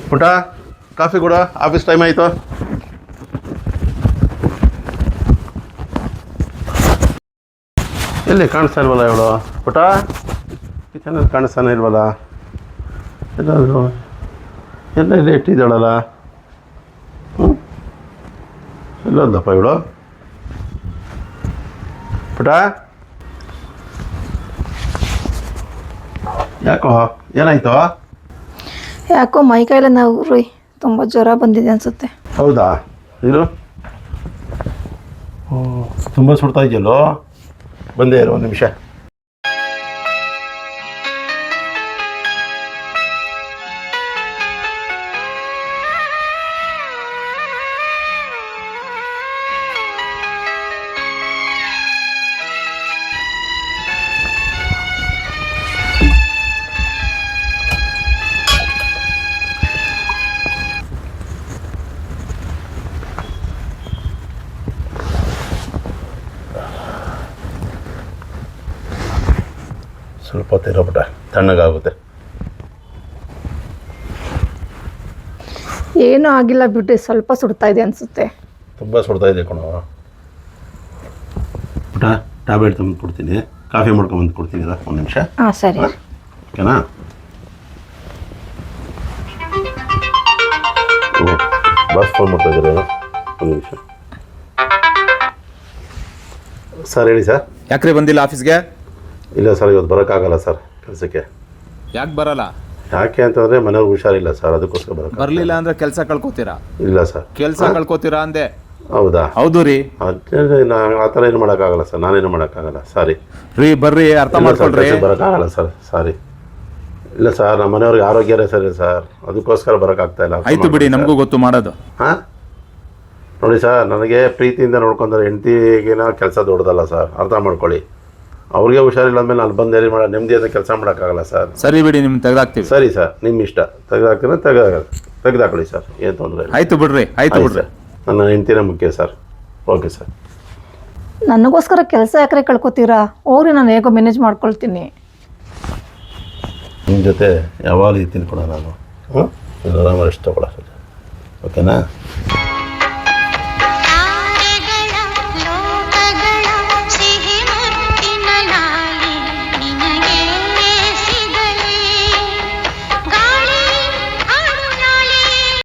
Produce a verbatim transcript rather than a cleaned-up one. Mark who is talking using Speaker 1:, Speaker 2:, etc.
Speaker 1: ಪುಟ ಕಾಫಿ ಕೊಡ, office time ಆಯಿತು. ಎಲ್ಲಿ ಕಾಣಿಸ್ತಾ ಇಲ್ವಲ್ಲ ಇವಳು? ಪುಟ ಕಿಚನಲ್ಲಿ ಕಾಣಿಸ್ತಾನೆ ಇಲ್ವಲ್ಲ? ಎಲ್ಲಾದರೂ ಎಲ್ಲ ಇಲ್ಲಿ ಇಟ್ಟಿದ್ದಾಳಲ್ಲ? ಹ್ಞೂ ಎಲ್ಲೋದಪ್ಪ ಇವಳು? ಪುಟ ಯಾಕೋ ಏನಾಯ್ತು?
Speaker 2: ಯಾಕೋ ಮೈ ಕೈಲ ನಾವು ರೀ ತುಂಬ ಜ್ವರ ಬಂದಿದೆ ಅನಿಸುತ್ತೆ.
Speaker 1: ಹೌದಾ? ಇದು ತುಂಬ ಸುಡ್ತಾ ಇದೆಯಲ್ಲೋ. ಬಂದೇ ಇರು ಒಂದು ನಿಮಿಷ. ಸ್ವಲ್ಪ ಹೊತ್ತಿರೋ ಬಿಟ್ಟ ತಣ್ಣಗಾಗುತ್ತೆ.
Speaker 2: ಏನೂ ಆಗಿಲ್ಲ ಬಿಡ್ರಿ, ಸ್ವಲ್ಪ ಸುಡ್ತಾ ಇದೆ ಅನಿಸುತ್ತೆ.
Speaker 1: ತುಂಬ ಸುಡ್ತಾ ಇದೆ ಕಣೋ. ಪುಟ ಟ್ಯಾಬ್ಲೆಟ್ ತಂದು ಕೊಡ್ತೀನಿ, ಕಾಫಿ ಮಾಡ್ಕೊಂಬಂದು ಕೊಡ್ತೀನಿ. ಅದ ಒಂದು ನಿಮಿಷ.
Speaker 2: ಹಾಂ ಸರಿ.
Speaker 1: ಓಕೆನಾ? ಹ್ಞೂ ಬಾಸ್ ಫೋನ್ ಮಾಡ್ತಾ ಇದ್ದೀರ? ಒಂದು ನಿಮಿಷ ಸರ್. ಹೇಳಿ ಸರ್.
Speaker 3: ಯಾಕ್ರಿ ಬಂದಿಲ್ಲ ಆಫೀಸ್ಗೆ?
Speaker 1: ಇಲ್ಲ ಸರ್, ಇವತ್ತು ಬರೋಕ್ಕಾಗಲ್ಲ ಸರ್ ಕೆಲಸಕ್ಕೆ.
Speaker 3: ಯಾಕೆ ಬರಲ್ಲ?
Speaker 1: ಯಾಕೆ ಅಂತಂದರೆ ಮನೆಯವ್ರಿಗೆ ಹುಷಾರಿಲ್ಲ ಸರ್, ಅದಕ್ಕೋಸ್ಕರ ಬರೋಕ್ಕೆ.
Speaker 3: ಬರಲಿಲ್ಲ ಅಂದರೆ ಕೆಲಸ ಕಳ್ಕೊತೀರಾ?
Speaker 1: ಇಲ್ಲ ಸರ್.
Speaker 3: ಕೆಲಸ ಕಳ್ಕೊತೀರಾ ಅಂದೆ.
Speaker 1: ಹೌದಾ?
Speaker 3: ಹೌದು ರೀ.
Speaker 1: ಅದೇ ನಾ ಆ ಥರ ಏನು ಮಾಡೋಕ್ಕಾಗಲ್ಲ ಸರ್, ನಾನೇನು ಮಾಡೋಕ್ಕಾಗಲ್ಲ. ಸಾರಿ
Speaker 3: ರೀ, ಬರ್ರಿ, ಅರ್ಥ ಮಾಡ್ಕೊಳ್ರಿ.
Speaker 1: ಬರೋಕ್ಕಾಗಲ್ಲ ಸರ್, ಸಾರಿ. ಇಲ್ಲ ಸರ್, ನಮ್ಮ ಮನೆಯವ್ರಿಗೆ ಆರೋಗ್ಯನೇ ಸರಿ ಸರ್, ಅದಕ್ಕೋಸ್ಕರ ಬರೋಕ್ಕಾಗ್ತಾ ಇಲ್ಲ.
Speaker 3: ಆಯ್ತು ಬಿಡಿ, ನಮಗೂ ಗೊತ್ತು ಮಾಡೋದು.
Speaker 1: ಹಾಂ ನೋಡಿ ಸರ್, ನನಗೆ ಪ್ರೀತಿಯಿಂದ ನೋಡ್ಕೊಂಡ್ರೆ ಹೆಂಡತಿಗಿನ ಕೆಲಸ ದೊಡ್ಡದಲ್ಲ ಸರ್, ಅರ್ಥ ಮಾಡ್ಕೊಳ್ಳಿ. ಅವ್ರಿಗೆ ಹುಷಾರಿಲ್ಲ ಅಂದಮೇಲೆ ನಾನು ಬಂದು ಎಲ್ಲಿ ಮಾಡೋ ನೆಮ್ಮದಿಯಿಂದ ಕೆಲಸ ಮಾಡೋಕ್ಕಾಗಲ್ಲ ಸರ್.
Speaker 3: ಸರಿ ಬಿಡಿ, ನಿಮ್ಗೆ ತೆಗೆದಾಕ್ತೀವಿ.
Speaker 1: ಸರಿ ಸರ್, ನಿಮ್ಮ ಇಷ್ಟ. ತೆಗೆದಾಕ್ತೀರ ತೆಗೆದ ತೆಗೆದಾಕೊಳ್ಳಿ ಸರ್, ಏನು ತೊಂದರೆ ಇಲ್ಲ.
Speaker 3: ಆಯ್ತು ಬಿಡ್ರಿ, ಆಯ್ತು ಬಿಡ್ರಿ.
Speaker 1: ನನ್ನ ಹೆಂಡ್ತಿನೇ ಮುಖ್ಯ ಸರ್. Okay sir.
Speaker 2: ನನಗೋಸ್ಕರ ಕೆಲಸ ಯಾಕ್ರೆ ಕಳ್ಕೊತೀರಾ? ಹೋಗ್ರಿ, ನಾನು ಹೇಗೋ ಮ್ಯಾನೇಜ್ ಮಾಡ್ಕೊಳ್ತೀನಿ.
Speaker 1: ನಿಮ್ಮ ಜೊತೆ ಯಾವಾಗಲೂ ಇರ್ತೀನಿ ಕೂಡ ನಾನು. ಹ್ಞೂ ಆರಾಮಾಗಿ ಇಷ್ಟ ಕೊಡ. ಓಕೆನಾ?